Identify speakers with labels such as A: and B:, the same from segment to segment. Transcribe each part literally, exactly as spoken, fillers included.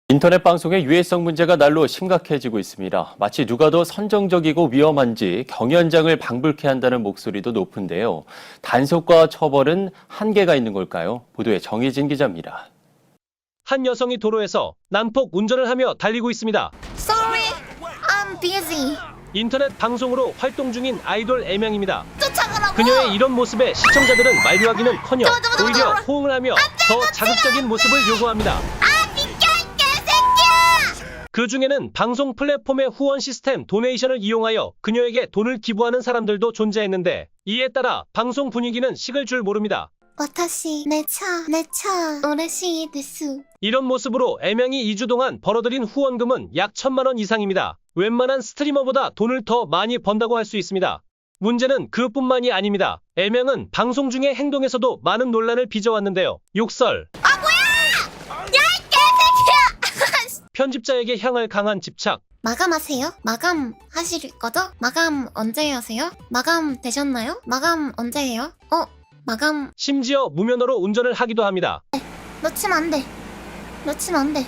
A: 인터넷 방송의 유해성 문제가 날로 심각해지고 있습니다. 마치 누가 더 선정적이고 위험한지 경연장을 방불케 한다는 목소리도 높은데요. 단속과 처벌은 한계가 있는 걸까요? 보도에 정희진 기자입니다.
B: 한 여성이 도로에서 난폭 운전을 하며 달리고 있습니다.
C: Sorry, I'm busy.
B: 인터넷 방송으로 활동 중인 아이돌 애명입니다.
C: 쫓아가라고.
B: 그녀의 이런 모습에 시청자들은 만류하기는커녕 오히려 호응을 하며 더 자극적인 모습을 요구합니다.
C: 아 비켜 이 개새끼야.
B: 그 중에는 방송 플랫폼의 후원 시스템 도네이션을 이용하여 그녀에게 돈을 기부하는 사람들도 존재했는데 이에 따라 방송 분위기는 식을 줄 모릅니다.
C: 私내 차, 내 차,嬉しいです.
B: 이런 모습으로 애명이 이 주 동안 벌어들인 후원금은 약 천만 원 이상입니다. 웬만한 스트리머보다 돈을 더 많이 번다고 할 수 있습니다. 문제는 그뿐만이 아닙니다. 애명은 방송 중의 행동에서도 많은 논란을 빚어왔는데요. 욕설,
C: 아 뭐야? 야 이 개새끼야.
B: 편집자에게 향할 강한 집착,
C: 마감하세요? 마감하실 거죠? 마감 언제 하세요? 마감 되셨나요? 마감 언제 해요? 어? 마감
B: 심지어 무면허로 운전을 하기도 합니다.
C: 놓치면 안 돼. 놓치면 안 돼.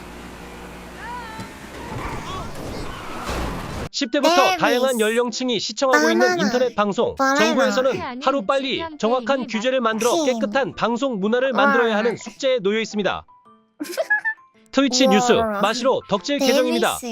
B: 십 대부터
C: 네,
B: 다양한
C: 미스.
B: 연령층이 시청하고 있는
C: 바나나.
B: 인터넷 방송.
C: 바나나.
B: 정부에서는 하루빨리 정확한 규제를 만들어
C: 킹.
B: 깨끗한 방송 문화를 만들어야 하는 숙제에 놓여 있습니다. 트위치 뉴스
C: 우와.
B: 마시로 덕질 계정입니다.
C: 데이비스.